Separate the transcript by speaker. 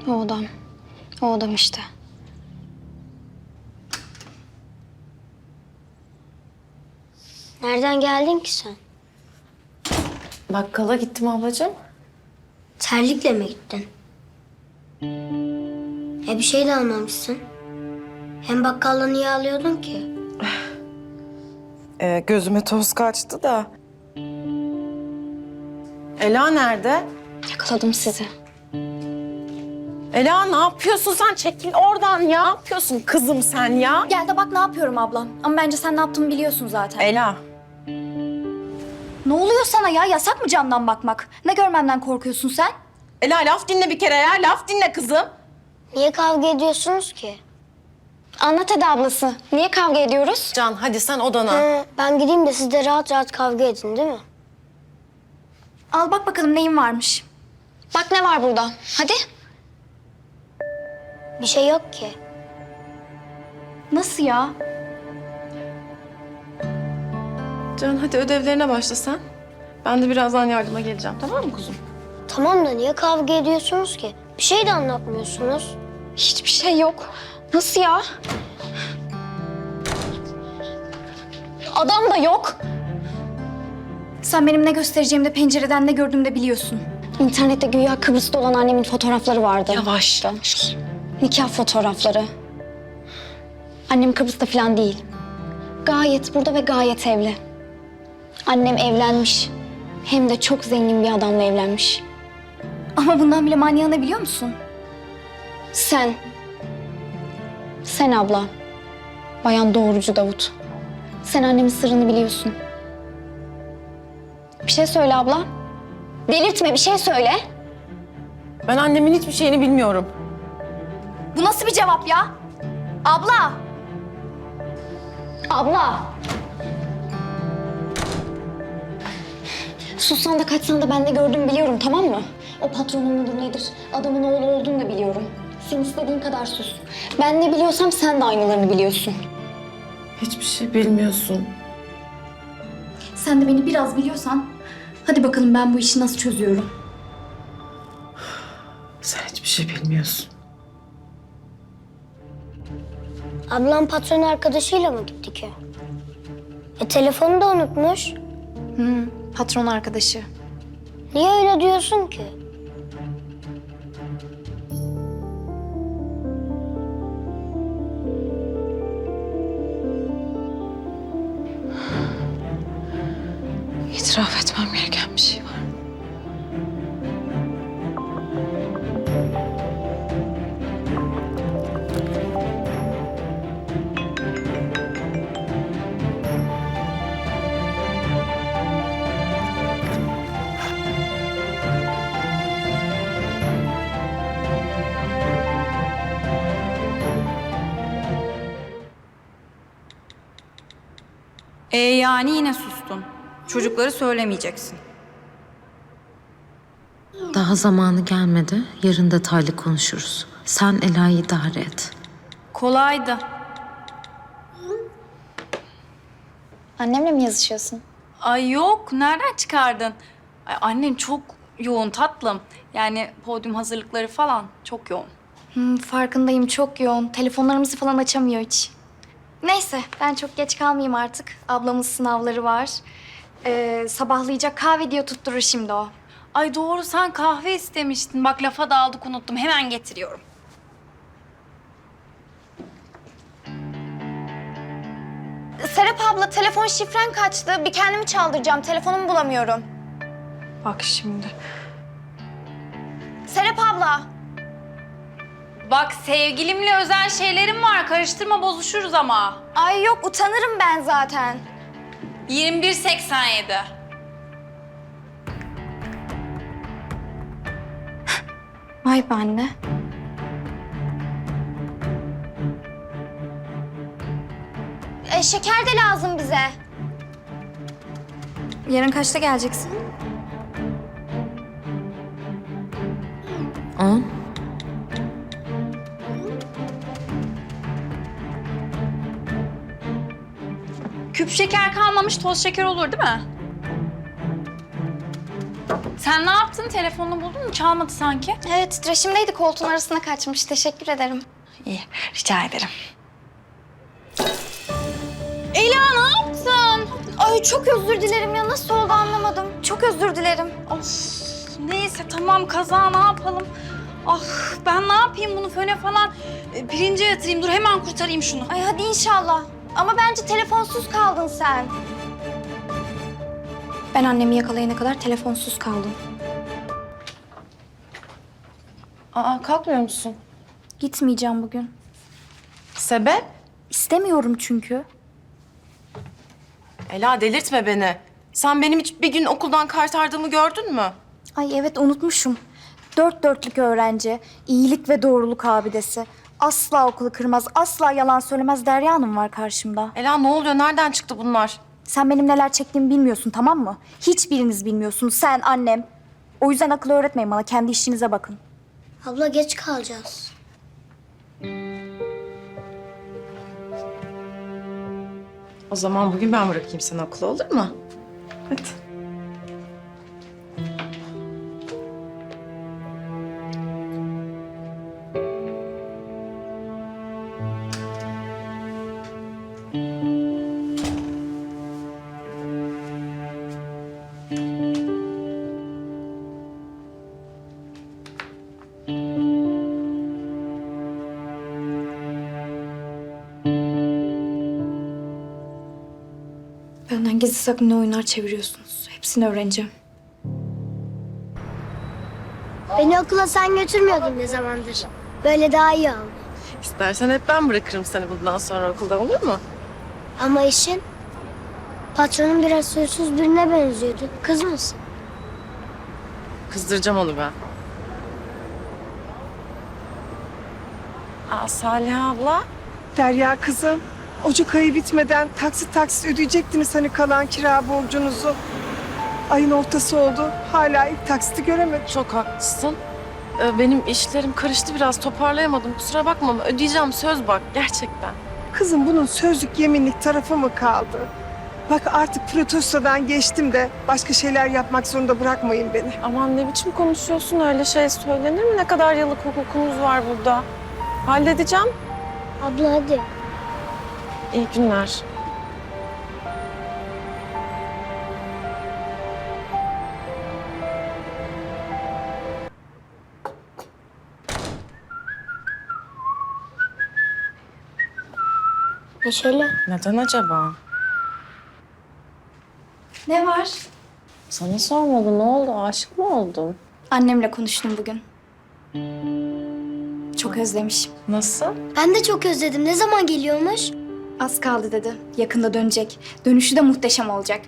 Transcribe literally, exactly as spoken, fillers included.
Speaker 1: O adam. O adam işte.
Speaker 2: Nereden geldin ki sen?
Speaker 3: Bakkala gittim ablacığım.
Speaker 2: Terlikle mi gittin? E bir şey de almamışsın. Hem bakkalda niye alıyordun ki?
Speaker 3: Ee, gözüme toz kaçtı da. Ela nerede?
Speaker 1: Yakaladım sizi.
Speaker 3: Ela ne yapıyorsun sen? Çekil oradan ya. Ne yapıyorsun kızım sen ya?
Speaker 4: Gel de bak ne yapıyorum ablam. Ama bence sen ne yaptığımı biliyorsun zaten.
Speaker 3: Ela.
Speaker 4: Ne oluyor sana ya? Yasak mı camdan bakmak? Ne görmemden korkuyorsun sen?
Speaker 3: Ela laf dinle bir kere ya. Laf dinle kızım.
Speaker 2: Niye kavga ediyorsunuz ki?
Speaker 1: Anlat hadi ablası. Niye kavga ediyoruz?
Speaker 3: Can hadi sen odana.
Speaker 2: He, ben gideyim de siz de rahat rahat kavga edin değil mi?
Speaker 4: Al bak bakalım neyin varmış.
Speaker 1: Bak ne var burada. Hadi.
Speaker 2: Bir şey yok ki.
Speaker 4: Nasıl ya?
Speaker 3: Can hadi ödevlerine başla sen. Ben de birazdan yardıma geleceğim, tamam mı kuzum?
Speaker 2: Tamam da niye kavga ediyorsunuz ki? Bir şey de anlatmıyorsunuz.
Speaker 1: Hiçbir şey yok. Nasıl ya? Adam da yok.
Speaker 4: Sen benim ne göstereceğimi de pencereden ne gördüğümü de biliyorsun.
Speaker 1: İnternette güya Kıbrıs'ta olan annemin fotoğrafları vardı.
Speaker 3: Yavaş.
Speaker 1: Nikah fotoğrafları. Annem Kıbrıs'ta falan değil. Gayet burada ve gayet evli. Annem evlenmiş. Hem de çok zengin bir adamla evlenmiş.
Speaker 4: Ama bundan bile manyağını biliyor musun?
Speaker 1: Sen. Sen abla. Bayan Doğrucu Davut. Sen annemin sırrını biliyorsun. Bir şey söyle abla. Delirtme, bir şey söyle.
Speaker 3: Ben annemin hiçbir şeyini bilmiyorum.
Speaker 4: Bu nasıl bir cevap ya? Abla!
Speaker 1: Abla. Sussan da kaçsan da ben ne gördüğümü biliyorum, tamam mı? O patronun mudur nedir, adamın oğlu olduğunu da biliyorum. Sen istediğin kadar sus. Ben ne biliyorsam sen de aynılarını biliyorsun.
Speaker 3: Hiçbir şey bilmiyorsun.
Speaker 4: Sen de beni biraz biliyorsan... Hadi bakalım ben bu işi nasıl çözüyorum.
Speaker 3: Sen hiçbir şey bilmiyorsun.
Speaker 2: Ablam patron arkadaşıyla mı gitti ki? E telefonu da unutmuş.
Speaker 4: Hı, patron arkadaşı.
Speaker 2: Niye öyle diyorsun ki?
Speaker 3: İtiraf etmem gereken bir şey var.
Speaker 5: E yani yine sustun. Çocukları söylemeyeceksin.
Speaker 6: Daha zamanı gelmedi. Yarın detaylı konuşuruz. Sen Ela'yı idare et.
Speaker 5: Kolaydı.
Speaker 1: Annemle mi yazışıyorsun?
Speaker 5: Ay yok, nereden çıkardın? Ay, annen çok yoğun tatlım. Yani podyum hazırlıkları falan çok yoğun.
Speaker 4: Hı, farkındayım, çok yoğun. Telefonlarımızı falan açamıyor hiç. Neyse, ben çok geç kalmayayım artık. Ablamın sınavları var. Ee, sabahlayacak kahve diye tutturur şimdi o.
Speaker 5: Ay doğru, sen kahve istemiştin. Bak lafa daldık, unuttum. Hemen getiriyorum.
Speaker 4: Serap abla, telefon şifren kaçtı. Bir kendimi çaldıracağım. Telefonumu bulamıyorum.
Speaker 5: Bak şimdi.
Speaker 4: Serap abla.
Speaker 5: Bak sevgilimle özel şeylerim var. Karıştırma, bozuşuruz ama.
Speaker 4: Ay yok, utanırım ben zaten.
Speaker 5: yirmi bir seksen yedi.
Speaker 4: Vay be anne. E, şeker de lazım bize. Yarın kaçta geleceksin?
Speaker 6: On.
Speaker 5: Küp şeker kalmamış, toz şeker olur değil mi? Sen sen ne yaptın? Telefonunu buldun mu? Çalmadı sanki.
Speaker 4: Evet, titreşimdeydi, koltuğun arasına kaçmış. Teşekkür ederim.
Speaker 5: İyi, rica ederim. Ela ne yaptın?
Speaker 4: Ay çok özür dilerim ya. Nasıl oldu anlamadım. Çok özür dilerim.
Speaker 5: Of, neyse tamam kaza ne yapalım? Ah ben ne yapayım bunu föne falan e, pirince yatırayım. Dur hemen kurtarayım şunu.
Speaker 4: Ay hadi inşallah. Ama bence telefonsuz kaldın sen. Ben annemi yakalayana kadar telefonsuz kaldım.
Speaker 3: Aa, kalkmıyor musun?
Speaker 4: Gitmeyeceğim bugün.
Speaker 3: Sebep?
Speaker 4: İstemiyorum çünkü.
Speaker 3: Ela, delirtme beni. Sen benim hiç bir gün okuldan kaytardığımı gördün mü?
Speaker 4: Ay evet unutmuşum. Dört dörtlük öğrenci, iyilik ve doğruluk abidesi. Asla okulu kırmaz, asla yalan söylemez Derya Hanım var karşımda.
Speaker 3: Ela, ne oluyor? Nereden çıktı bunlar?
Speaker 4: Sen benim neler çektiğimi bilmiyorsun, tamam mı? Hiçbiriniz bilmiyorsunuz, sen, annem. O yüzden akıl öğretmeyin bana, kendi işinize bakın.
Speaker 2: Abla geç kalacağız.
Speaker 3: O zaman bugün ben bırakayım seni okula, olur mu? Hadi.
Speaker 4: Benden gizli saklı ne oyunlar çeviriyorsunuz? Hepsini öğreneceğim.
Speaker 2: Beni okula sen götürmüyordun ne zamandır. Böyle daha iyi oldu.
Speaker 3: İstersen hep ben bırakırım seni bundan sonra okulda, olur mu?
Speaker 2: Ama işin patronun biraz huysuz birine benziyordu. Kız mısın?
Speaker 3: Kızdıracağım onu ben. Aa, Salih abla.
Speaker 7: Derya kızım, Ocak ayı bitmeden taksit taksit ödeyecektiniz hani kalan kira borcunuzu. Ayın ortası oldu. Hala ilk taksiti göremedim.
Speaker 3: Çok haklısın. Ee, benim işlerim karıştı biraz, toparlayamadım. Kusura bakma ama ödeyeceğim, söz bak, gerçekten.
Speaker 7: Kızım bunun sözlük yeminlik tarafı mı kaldı? Bak artık protestodan geçtim de başka şeyler yapmak zorunda bırakmayın beni.
Speaker 3: Aman ne biçim konuşuyorsun, öyle şey söylenir mi? Ne kadar yıllık hukukumuz var burada. Halledeceğim.
Speaker 2: Abla hadi.
Speaker 3: İyi günler.
Speaker 2: Neşeli.
Speaker 3: Neden acaba?
Speaker 4: Ne var?
Speaker 3: Sana sormadım, ne oldu? Aşık mı oldun?
Speaker 4: Annemle konuştum bugün. Çok özlemiş.
Speaker 3: Nasıl?
Speaker 2: Ben de çok özledim. Ne zaman geliyormuş?
Speaker 4: Az kaldı dedi. Yakında dönecek. Dönüşü de muhteşem olacak.